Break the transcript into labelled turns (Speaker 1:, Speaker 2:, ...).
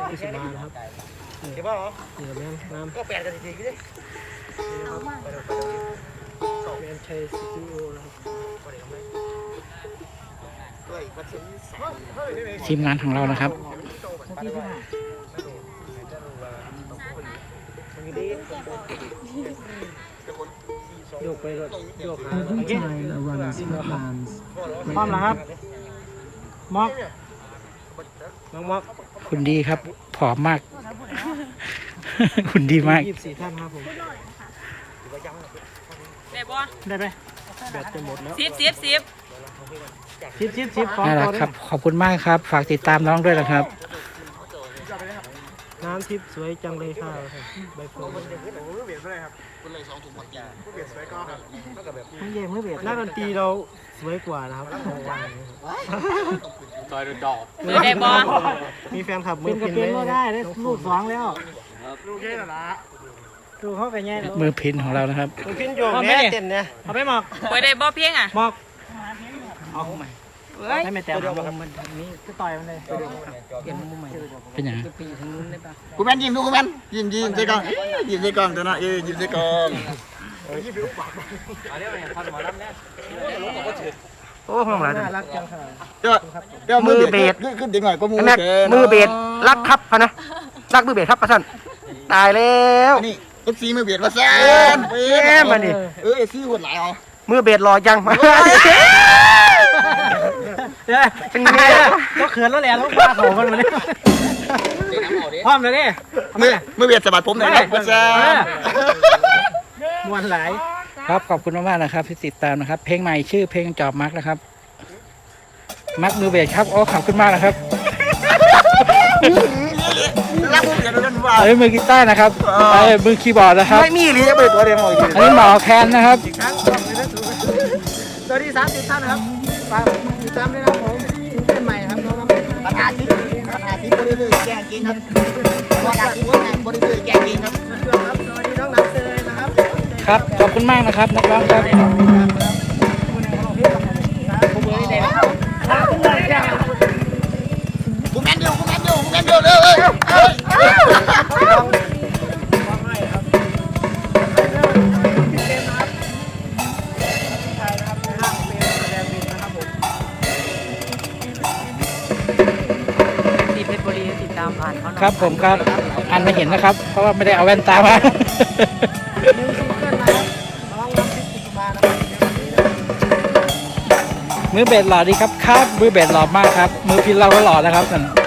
Speaker 1: ที่สุดมานะครับ
Speaker 2: เห็นป่ะเหรอ
Speaker 1: เหนือแม่น้ำ
Speaker 2: ก็แปลกันจริงๆเลย
Speaker 1: แมนชัยสตูดิโอนะครับ
Speaker 3: ทีมงานของเรานะครับ
Speaker 1: โยกไปก็โยกหา
Speaker 4: Every time a runner's foot lands,
Speaker 1: พร้อมแล้วครับม็อกน้องม็อก
Speaker 3: คุณดีครับผอมมาก คุณดีมาก
Speaker 1: 24 ท่านครับผม
Speaker 5: ได้บ่
Speaker 1: ได้ไหมแบตจะหมดแล้ว
Speaker 5: 10
Speaker 1: ของ
Speaker 3: น่ารัก
Speaker 1: ตัว
Speaker 3: ครับ ขอบคุณมากครับ ฝากติดตามน้องด้วยนะครับ
Speaker 1: น้ำทิพย์สวยจังเลยค่ะใบเฟิร์น
Speaker 2: เบียดเลยครับคุณเลย2 ถุงหมดจานเบียดสวยก็ครับก็แบบ
Speaker 1: ทั้งเย่ไม่เบียดนักดนตรีเราสวยกว่านะครับ
Speaker 2: ซอยโดนจอบ
Speaker 5: เปิดได้บ่
Speaker 1: มีแฟนคลับมือพินก็ได้รูป2แล้ว
Speaker 2: ลูกแค่นั้นละ
Speaker 1: ดูเขากันแย่
Speaker 3: มือพินของเรานะครับ
Speaker 1: มือพินโยกแม่เต้นเนี่ยเอาไปหมอก
Speaker 5: เปิดได้บ่เพียงอ่ะ
Speaker 1: หมอกเอาใหม่ให้แม่แต้มมันนี้ก็ต่อยมันเลยเปลี่ยนมุมใหม่
Speaker 3: เป็นอย่าง
Speaker 1: ปีทางนู้นได้ปะ
Speaker 2: กูแมนยิ้มดูกูแมนยิ้มใส่กล้องยิ้มใส่กล้องตัวน่ะยิ้มใส่กล้องโอ้ห้องหลาน
Speaker 1: น่ารักจังค่ะ
Speaker 2: เดี๋ยวมือเบสขึ้นดีหน่อยก็มือ
Speaker 6: มือเบสรักครับพะนะรักมือเบสครับประชันตายแล้ว
Speaker 2: นี่เอฟซีมือเบสมาแซ่บ
Speaker 6: แม่มาดิ
Speaker 2: เอฟซีหัวไหลอ๋อ
Speaker 6: มือเบสรอยังเป็นไงล่ะ
Speaker 1: ก็เขินแล้วแหละลูกปลาเขามันมาเนี่ยพร้อมเลยดิ
Speaker 2: มือเบสสะบัดผมหน่อยครับมาแซ่บ
Speaker 1: มวนหลาย
Speaker 3: ครับ ขอบคุณมากๆนะครับที่ติดตามนะครับ เพลงใหม่ชื่อเพลงจอบมักนะครับ มักมือเบสครับ โอ้ ขอบคุณมากนะครับ
Speaker 2: รักมือเบสด้วยว่า
Speaker 3: มือกีตาร์นะครับมือคีย์บอร์ดนะครับ
Speaker 2: ไม่มีหรือจะเปิดตัวเดียวหมด
Speaker 3: อันนี้หมอแคนนะครับ
Speaker 1: สวัสดี30 ท่านนะครับฝากติดตามด้วยนะครับผมเป็นใหม่ครับน้อง
Speaker 2: ปัญหาที่บริสุทธิ์แกงกินครับปัญหาที่บริสุทธิ์แกงกินครับ
Speaker 1: สวัสดีน้องนักเตยนะครับ
Speaker 3: ครับ ขอบคุณมากนะครับนักร้องครับ
Speaker 2: กูแมนดิวเลย
Speaker 5: ที่เพชรบุรีติดตามผ่านเขาหน่อย
Speaker 3: ครับผมครับอ่านไม่เห็นนะครับ เพราะว่าไม่ได้เอาแว่นตามา มือเบสหล่อดีครับ มือเบสหล่อมากครับ มือพินเราก็หล่อนะครับนั่น